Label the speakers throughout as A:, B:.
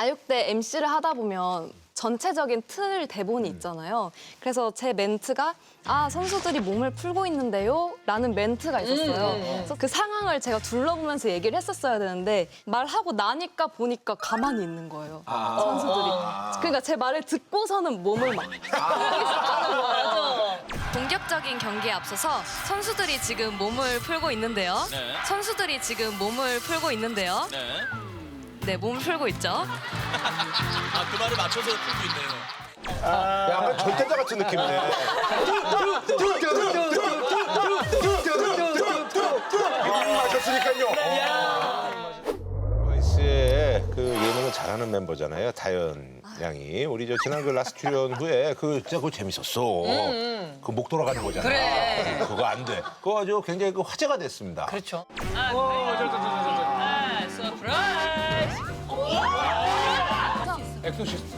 A: 아육대 MC를 하다 보면 전체적인 틀 대본이 있잖아요. 그래서 제 멘트가 선수들이 몸을 풀고 있는데요 라는 멘트가 있었어요. 그래서 그 상황을 제가 둘러보면서 얘기를 했었어야 되는데 말하고 나니까 보니까 가만히 있는 거예요. 선수들이. 그러니까 제 말을 듣고서는 몸을 막 있었다는 거예요. 본격적인 경기에 앞서서 선수들이 지금 몸을 풀고 있는데요.
B: 네.
A: 선수들이 지금 몸을 풀고 있는데요.
B: 네.
A: 네, 몸을 풀고 있죠.
B: 그 말을 맞춰서 풀고 있네요.
C: 약간 절대자 같은 느낌이네. 마셨으니까요. 보이스의 그 예능을 잘하는 멤버잖아요. 다현 양이. 우리 저 지난 그 라스트 출연 후에 진짜 그거 재밌었어. 그 목 돌아가는 거잖아.
D: 그래.
C: 그거 안 돼. 그거 아주 굉장히 그 화제가 됐습니다.
D: 그렇죠. 서프라이즈.
C: 엑소시스트.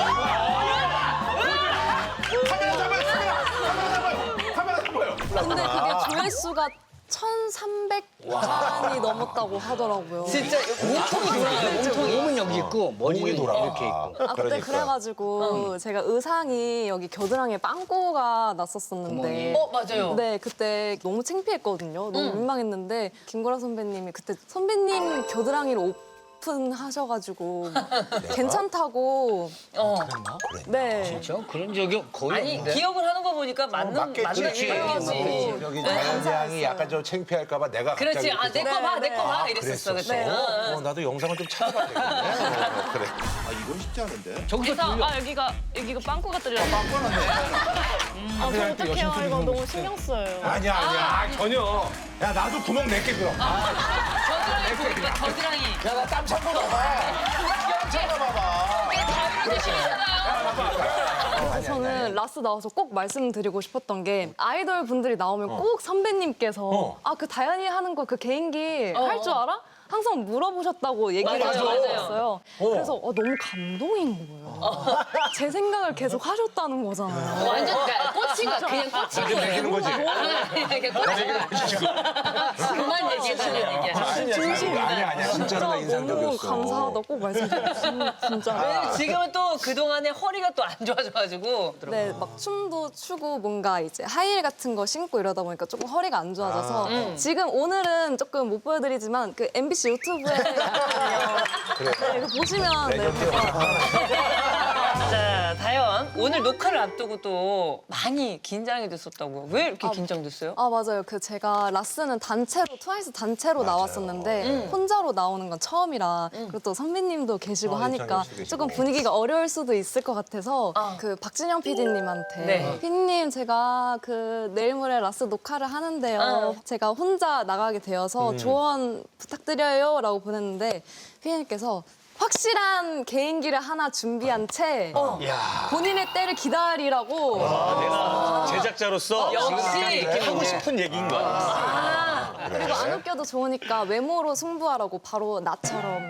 C: 카메라 잡아요.
A: 근데 그게 조회수가 1,300만이 넘었다고 하더라고요.
D: 진짜 몸통이 돌아가요. 몸통이. 몸은 여기 있고
C: 목이
D: 머리는
C: 돌아가.
D: 이렇게 있고.
A: 그때
C: 그러니까.
A: 그래가지고 제가 의상이 여기 겨드랑이에 빵꾸가 났었었는데
D: 맞아요.
A: 네, 그때 너무 창피했거든요. 너무 민망했는데 김구라 선배님이 그때 선배님 겨드랑이를 오픈하셔가지고 괜찮다고 네.
D: 그렇죠. 그런 적이 거의
E: 아니
D: 없는데.
E: 기억을 하는 거 보니까 맞는
C: 그렇지.
E: 얘기지.
C: 여기 다현 양이
A: 감사했어요.
C: 약간 좀 창피할까봐 내가
E: 그렇지.
C: 갑자기
E: 내 거 봐, 내 거 봐.
C: 그랬었어.
E: 이랬었어. 그때.
C: 나도 영상을 좀 찾아봐야 되겠네. 그래.
F: 이건 쉽지 않은데.
D: 저기서 돌려.
A: 여기가 빵꾸가 뚫려.
F: 빵꾸났네.
A: 어떡해요. 이거 너무 신경 써요.
C: 아니야. 전혀. 야, 나도 구멍 낼게, 그럼.
E: 겨드랑이 보니까 겨드랑이.
C: 야, 나 땀 참고 나봐. 땀 참고 나봐.
A: 그래서 저는 라스 나와서 꼭 말씀드리고 싶었던 게 아이돌 분들이 나오면 꼭 선배님께서 그 다현이 하는 거 그 개인기 할 줄 알아? 항상 물어보셨다고 얘기를 해주셨어요. 그래서 너무 감동인 거예요. 제 생각을 계속 하셨다는 거잖아요.
E: 완전 꽂힌 거야. 그냥 꽂힌
C: 지금
E: 거야.
C: 내기는 거지.
E: 그냥 꽂힌 거야. 그만 얘기해달라는 얘기야.
A: 진심인데
C: 아니야. 진짜로 나
A: 너무
C: 인상적이었어.
A: 감사하다 꼭 말씀드리고 진짜.
E: 지금은 또 그동안에 허리가 또 안 좋아져가지고.
A: 네, 막 춤도 추고 뭔가 이제 하이힐 같은 거 신고 이러다 보니까 조금 허리가 안 좋아져서 지금 오늘은 조금 못 보여드리지만 그 MBC 유튜브에 있거든요. 네, 이거 보시면 네,
E: 자, 다현. 오늘 녹화를 앞두고 또 많이 긴장이 됐었다고요. 왜 이렇게 긴장됐어요?
A: 맞아요. 제가 라스는 단체로 트와이스 단체로 나왔었는데 혼자로 나오는 건 처음이라 그리고 또 선배님도 계시고 하니까
C: 이창현 씨도 계시고.
A: 조금 분위기가 어려울 수도 있을 것 같아서 그 박진영 PD님한테
E: 네.
A: PD님 제가 내일 모레 라스 녹화를 하는데요. 제가 혼자 나가게 되어서 조언 부탁드려요라고 보냈는데 PD님께서 확실한 개인기를 하나 준비한 채 본인의 때를 기다리라고
B: 내가 제작자로서
E: 역시
B: 하고 싶은 얘기인 거야.
A: 그리고 안 웃겨도 좋으니까 외모로 승부하라고 바로 나처럼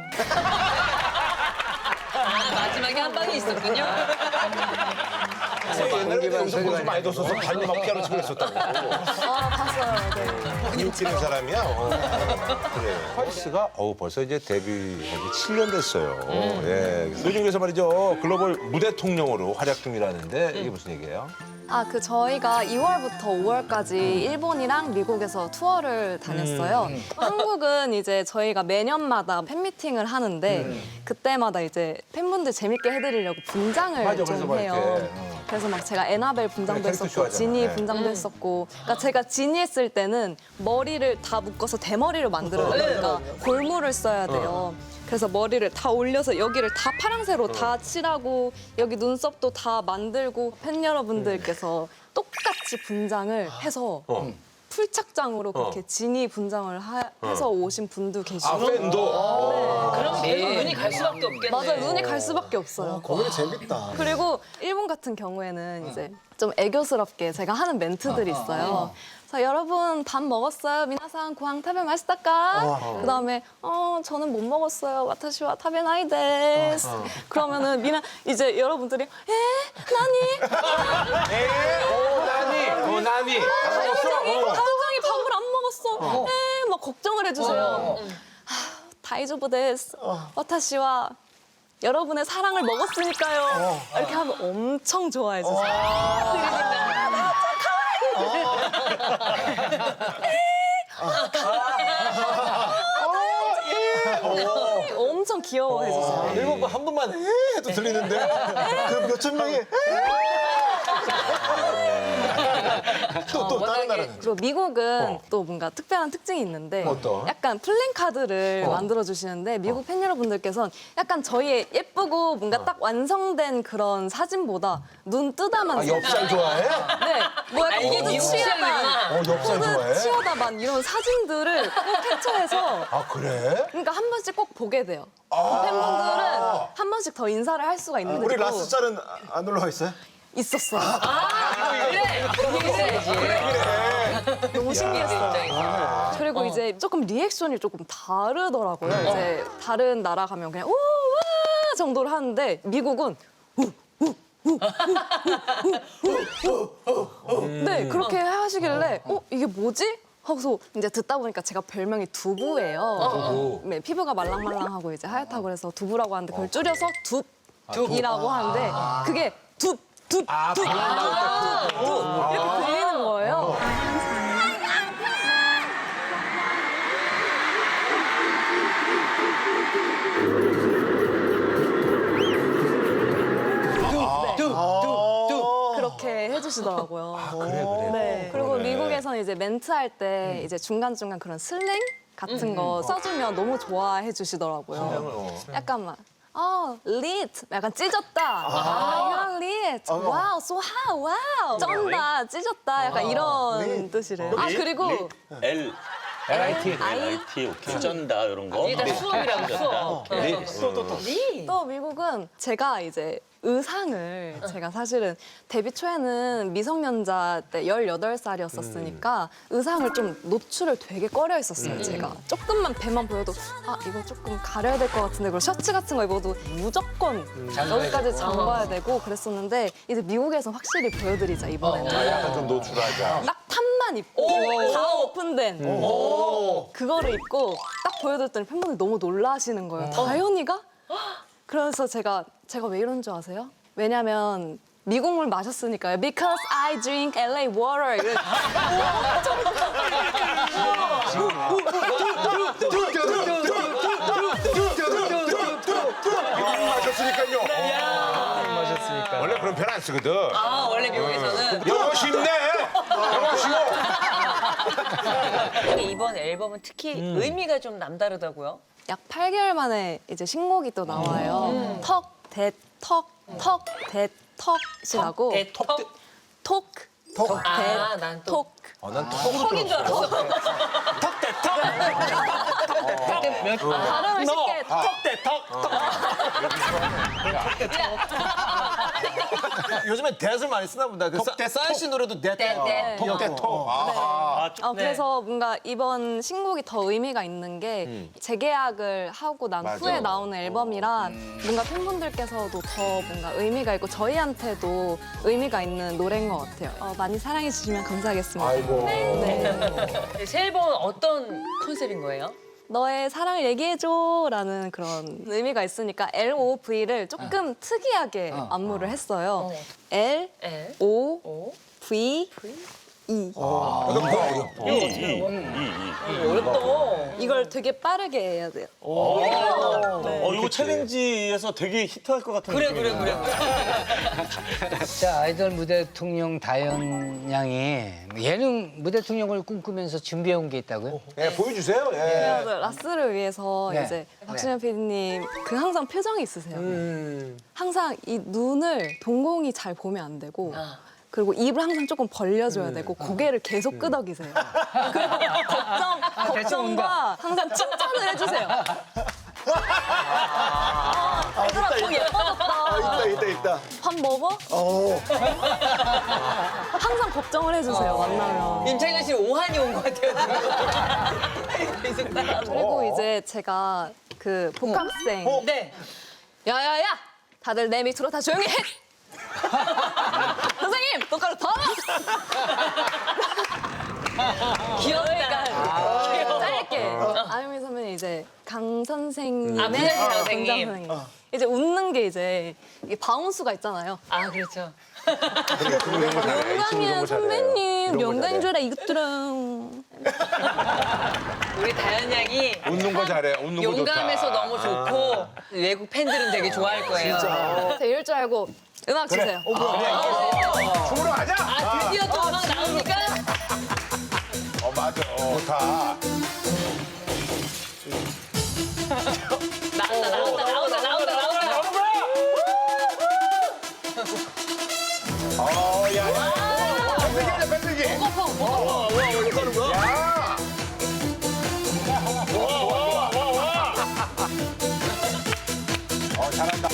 E: 마지막에 한 방이 있었군요.
C: 옛날에 영상 보지 많이 뒀어서 발로 막 피아노 치고 그랬었다고.
A: 봤어요. 네.
C: 웃기는 사람이야. 그래. 트와이스가 벌써 이제 데뷔한 지 7년 됐어요. 예. 요즘 그래서 말이죠. 글로벌 무대 통령으로 활약 중이라는데 이게 무슨 얘기예요?
A: 저희가 2월부터 5월까지 일본이랑 미국에서 투어를 다녔어요. 한국은 이제 저희가 매년마다 팬미팅을 하는데 그때마다 이제 팬분들 재밌게 해드리려고 분장을
C: 맞아,
A: 좀
C: 그래서 막
A: 해요.
C: 이렇게,
A: 그래서 막 제가 에나벨 분장도
C: 그래, 캐릭터
A: 했었고
C: 쇼하잖아.
A: 지니
C: 네.
A: 분장도 했었고 그러니까 제가 지니 했을 때는 머리를 다 묶어서 대머리로 만들어야 되니까 골무를 써야 돼요. 그래서 머리를 다 올려서 여기를 다 파랑새로 다 칠하고 여기 눈썹도 다 만들고 팬 여러분들께서 똑같이 분장을 해서 풀착장으로 그렇게 지니 분장을 해서 오신 분도 계시고
C: 팬도.
E: 그럼 계속 눈이 갈 수밖에 없겠네.
A: 맞아요. 눈이 갈 수밖에 없어요.
F: 거기는 재밌다.
A: 그리고 일본 같은 경우에는 이제 좀 애교스럽게 제가 하는 멘트들이 있어요. 자, 여러분 밥 먹었어요? 미나상 고항 타베 마시다까? 그다음에 저는 못 먹었어요. 와타시와 타베나이 데스. 그러면은 이제 여러분들이 나니?
C: 나니.
A: 다현장이 밥을 안 먹었어. 막 걱정을 해주세요. 다이조부 데스. 와타시와 여러분의 사랑을 먹었으니까요. 이렇게 하면 엄청 좋아해 주세요. 엄청 귀여워해 주세요.
F: 일본 한 번만 해도 들리는데 그 몇천 명이 또 다른 나라는
A: 그리고 미국은 또 뭔가 특별한 특징이 있는데
C: 어떤?
A: 약간 플랜카드를 만들어 주시는데 미국 팬 여러분들께서는 약간 저희의 예쁘고 뭔가 딱 완성된 그런 사진보다 눈 뜨다만
C: 아, 엽살 좋아해?
A: 네, 뭐 약간
E: 이게
A: 포즈
E: 미국
A: 취하다,
C: 엽살 좋아해?
A: 포즈 취하다만 이런 사진들을 꼭 캡처해서
C: 아, 그래?
A: 그러니까 한 번씩 꼭 보게 돼요. 팬분들은 한 번씩 더 인사를 할 수가 있는데
F: 우리
A: 또
F: 라스 짤은 안 올라와 있어요?
A: 있었어요.
E: 그래.
A: 너무 신기했어요. 그리고 이제 조금 리액션이 조금 다르더라고요. 이제 다른 나라 가면 그냥 우와 정도로 하는데 미국은 네 그렇게 하시길래 이게 뭐지? 하고서 이제 듣다 보니까 제가 별명이 두부예요. 네, 피부가 말랑말랑하고 이제 하얗다고 그래서 두부라고 하는데 그걸 줄여서 둡이라고 하는데 그게 둡 이렇게 들리는 거예요. 그렇게 해주시더라고요.
C: 그래.
A: 네. 그리고 미국에서는 이제 멘트할 때 이제 중간중간 그런 슬랭 같은 거 써주면 너무 좋아해 주시더라고요. 약간 막 lit. 약간 찢었다. you're lit. 와우, so hot. 와우. 쩐다, 찢었다. 약간 이런 뜻이래요. 아, 그리고
B: LIT 오케이. 쩐다 이런 거.
E: 이게 다 수업이라고 수업.
A: 또 미국은 제가 이제 의상을 제가 사실은 데뷔 초에는 미성년자 때 18살이었었으니까 의상을 좀 노출을 되게 꺼려 했었어요, 제가. 조금만 배만 보여도 이거 조금 가려야 될 것 같은데 그리고 셔츠 같은 거 입어도 무조건 여기까지 잠가야 되고 그랬었는데 이제 미국에서 확실히 보여드리자, 이번에는.
C: 약간 좀 노출하자.
A: 딱 탑만 입고 다 오픈된 그거를 입고 딱 보여드렸더니 팬분들이 너무 놀라시는 거예요. 다현이가? 그래서 제가 왜 이런 줄 아세요? 왜냐면 미국물 마셨으니까요. Because I drink LA water.
C: 마셨으니까요. 원래 그런 편 안 쓰거든.
E: 원래 미국에서는.
C: 영어 쉽네. 영어 쉬워.
E: 근데 이번 앨범은 특히 의미가 좀 남다르다고요?
A: 약 8개월 만에 이제 신곡이 또 나와요. 턱, 대, 턱, 턱, 대, 턱이라고.
E: 대턱?
A: 톡,
E: 아, 난 또.
A: 톡.
C: 난 턱으로
E: 턱인 줄 알았어.
A: 발음을 쉽게
F: 요즘에 대을 많이 쓰나 보다. 그 싸이 씨 노래도
E: 네.
F: 턱.
A: 그래서 뭔가 이번 신곡이 더 의미가 있는 게 재계약을 하고 난
C: 맞아.
A: 후에 나오는 앨범이라 뭔가 팬분들께서도 더 뭔가 의미가 있고 저희한테도 의미가 있는 노래인 것 같아요. 많이 사랑해 주시면 감사하겠습니다.
C: 아이고.
A: 네.
E: 새 앨범은 어떤 컨셉인 거예요?
A: 너의 사랑을 얘기해줘라는 그런 의미가 있으니까 LOV를 조금 특이하게 안무를 했어요.
E: L,
A: LOVE.
E: 어렵다.
A: 이걸 되게 빠르게 해야 돼요.
B: 이거 챌린지에서 되게 히트할 것 같은
E: 그래.
D: 자, 아이돌 무대 대통령 다현 양이 예능 무대 대통령을 꿈꾸면서 준비해온 게 있다고요?
C: 예, 보여주세요. 예.
A: 그래서 라스를 위해서
D: 네.
A: 이제 박신영 PD님 그 항상 표정이 있으세요. 항상 이 눈을 동공이 잘 보면 안 되고 그리고 입을 항상 조금 벌려줘야 되고 고개를 계속 끄덕이세요. 그리고 걱정과 항상 칭찬을 해주세요. 얘들아 더 예뻐졌다.
F: 있다.
A: 밥 먹어? 항상 걱정을 해주세요, 만나면.
E: 임창현 씨 오한이 온 것 같아요. 계속 따라하고.
A: 그리고 이제 제가 그 복학생
E: 네.
A: 야야야! 다들 내 밑으로 다 조용히 해! 선생님! 똑바로 더!
E: 귀엽다.
A: 짧게 짧게. 아유미 선배님 이제 강 선생님의
E: 아, 피아니스트
A: 원장
E: 선생님.
A: 선생님. 이제 웃는 게 이제 이게 바운스가 있잖아요.
E: 아, 그렇죠.
A: 영광이야 선배님, 영광인 줄 알아 이것들은.
E: 우리 다현 양이
C: 웃는 거 잘해. 웃는 거 좋다.
E: 용감해서 너무 좋고 외국 팬들은 되게 좋아할 거예요.
A: 제가 이럴 줄 알고 음악 주세요.
C: 춤으로 가자.
E: 아, 드디어 또 음악 나옵니까?
C: 맞아. 좋다.
E: 나온다.
C: 야. 밴드기야, 밴드기.
F: 이렇게 하는 거야?
C: 야. 잘한다.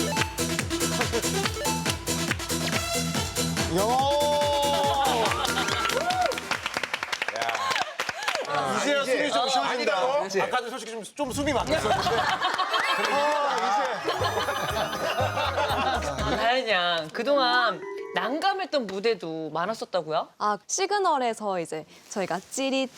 F: 이제야 숨이 좀 쉬어진다.
C: 아니라고?
F: 아까도 솔직히 좀 숨이 막혔었는데.
E: 다현 양, 그동안 난감했던 무대도 많았었다고요?
A: 아 시그널에서 이제 저희가 찌릿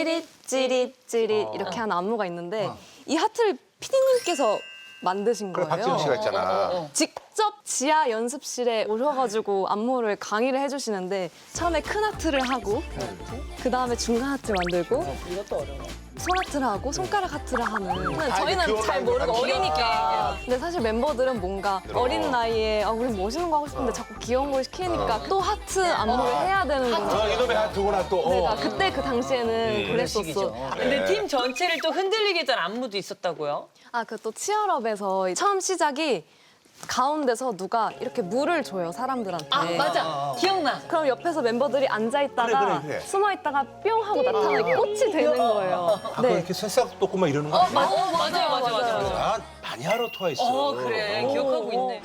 A: 이렇게 하는 안무가 있는데 이 하트를 피디님께서 만드신
C: 그래,
A: 거예요.
C: 박지훈 씨가 있잖아.
A: 직접 지하 연습실에 오셔가지고 안무를 강의를 해주시는데 처음에 큰 하트를 하고 그 다음에 중간 하트를 만들고
E: 이것도 어려워.
A: 손 하트를 하고 손가락 하트를 하는. 근데
C: 이제
A: 저희는
C: 귀여운
A: 잘 모르고
C: 아이들
A: 어리니까. 근데 사실 멤버들은 뭔가 어린 나이에 우리 멋있는 거 하고 싶은데 자꾸 귀여운 걸 시키니까 또 하트 안무를 해야 되는 거죠.
C: 이놈의 하트구나 또.
A: 내가 그때 그 당시에는 그랬었어.
D: 시기죠.
E: 근데 팀 전체를 또 흔들리게 했던 안무도 있었다고요?
A: 아, 그 또 치얼업에서 처음 시작이 가운데서 누가 이렇게 물을 줘요, 사람들한테.
E: 아, 맞아. 기억나.
A: 그럼 옆에서 멤버들이 앉아있다가
C: 그래.
A: 숨어있다가 뿅 하고 나타나게 꽃이 되는 거예요.
C: 그
A: 네.
C: 이렇게 새싹 돋고 막 이러는 거 아니야?
E: 맞아요.
C: 나 많이 하러 토와 있어.
E: 그래. 기억하고 있네.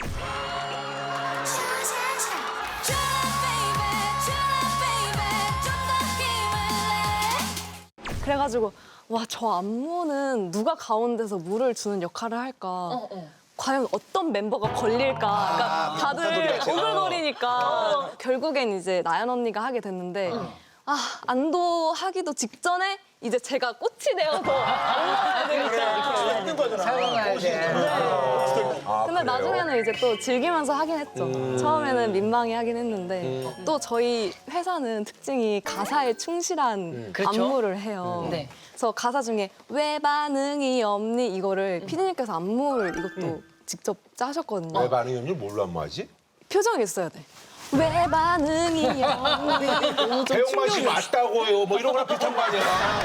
A: 그래가지고 와, 저 안무는 누가 가운데서 물을 주는 역할을 할까. 과연 어떤 멤버가 걸릴까. 그러니까 다들 오글거리니까. 결국엔 이제 나연 언니가 하게 됐는데 아, 안도하기도 직전에 이제 제가 꽃이 되어서 올라가야 되니까.
F: 힘든 거잖아.
D: 사용해야 돼.
A: 근데 나중에는 이제 또 즐기면서 하긴 했죠. 처음에는 민망해 하긴 했는데 또 저희 회사는 특징이 가사에 충실한
E: 그렇죠.
A: 안무를 해요.
E: 네.
A: 그래서 가사 중에 왜 반응이 없니 이거를 피디님께서 안무를 이것도 직접 짜셨거든요.
C: 왜 반응이 없니? 뭘로 안무하지?
A: 표정이 있어야 돼. 왜 반응이 없니? 너무 좀
C: 배용만 씨
A: 충격이었어요.
C: 맞다고요. 뭐 이런 거랑 비슷한 거 아니야?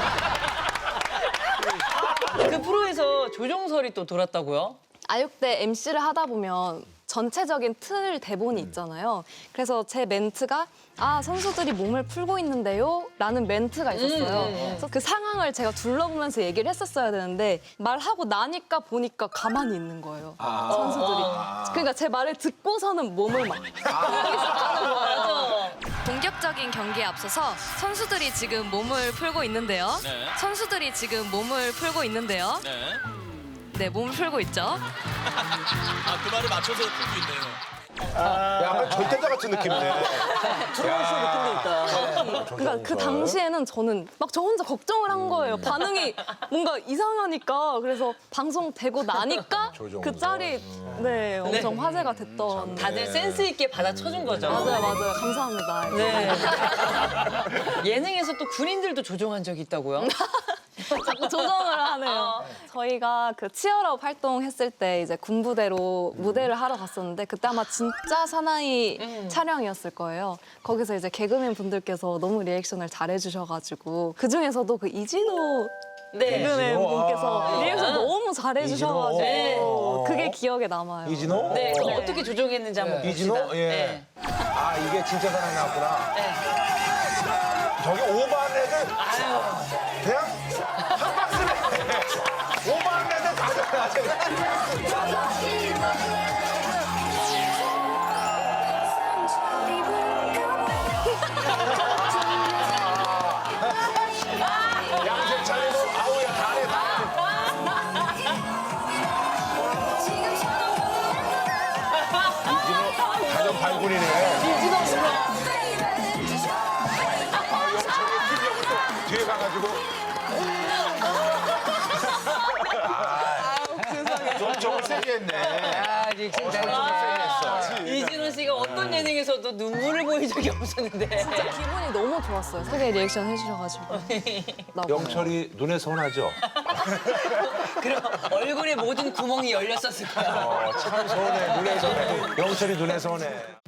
E: 그 프로에서 조종설이 또 돌았다고요?
A: 아육대 MC를 하다 보면 전체적인 틀 대본이 있잖아요. 그래서 제 멘트가 아, 선수들이 몸을 풀고 있는데요? 라는 멘트가 있었어요. 그래서 그 상황을 제가 둘러보면서 얘기를 했었어야 되는데 말하고 나니까 보니까 가만히 있는 거예요. 선수들이. 그러니까 제 말을 듣고서는 몸을 막 시작하는 거예요. 본격적인 경기에 앞서서 선수들이 지금 몸을 풀고 있는데요. 선수들이 지금 몸을 풀고 있는데요. 네, 몸을 풀고 있죠.
B: 아, 그 말을 맞춰서 풀고 있네요.
C: 약간 절대자 같은 느낌이네.
F: 트로트쇼 느낌도 있다.
A: 그러니까 그 당시에는 저는 막 저 혼자 걱정을 한 거예요. 반응이 뭔가 이상하니까. 그래서 방송 되고 나니까
C: 조정석.
A: 그 짤이 네, 엄청 화제가 됐던.
E: 다들 센스 있게 받아쳐준 거죠.
A: 맞아요. 감사합니다.
E: 네. 예능에서 또 군인들도 조종한 적이 있다고요?
A: 자꾸 조정을 하네요. 저희가 그 치얼업 활동했을 때 이제 군부대로 무대를 하러 갔었는데 그때 아마 진짜 사나이 촬영이었을 거예요. 거기서 이제 개그맨 분들께서 너무 리액션을 잘해주셔가지고 그 중에서도 그 이진호
E: 네.
A: 개그맨 분께서
C: 아.
A: 리액션 너무 잘해주셔가지고
C: 이진호.
A: 그게 기억에 남아요.
C: 이진호?
E: 네. 그럼 어떻게 조종했는지 한번 봅시다.
C: 이진호? 예.
E: 네.
C: 아, 이게 진짜 사랑이 나왔구나. 저기 오버한 애들 그냥 한 박스네. 오버한 애들 다 잘하지. 양색 차리고 아우야 다네 이진호 가정 발군이네. 아, 영철이 팀 여기 또 뒤에 가가지고
F: 세게 했네.
D: 아, 리액션 잘했네.
E: 이진호 씨가 어떤 예능에서도 눈물을 보인 적이 없었는데.
A: 진짜 기분이 너무 좋았어요. 소개 리액션 해주셔가지고. 나보고.
C: 영철이 눈에 선하죠?
E: 그럼 얼굴에 모든 구멍이 열렸었을 거야.
C: 참 선해, 눈에 선해. 영철이 눈에 선해.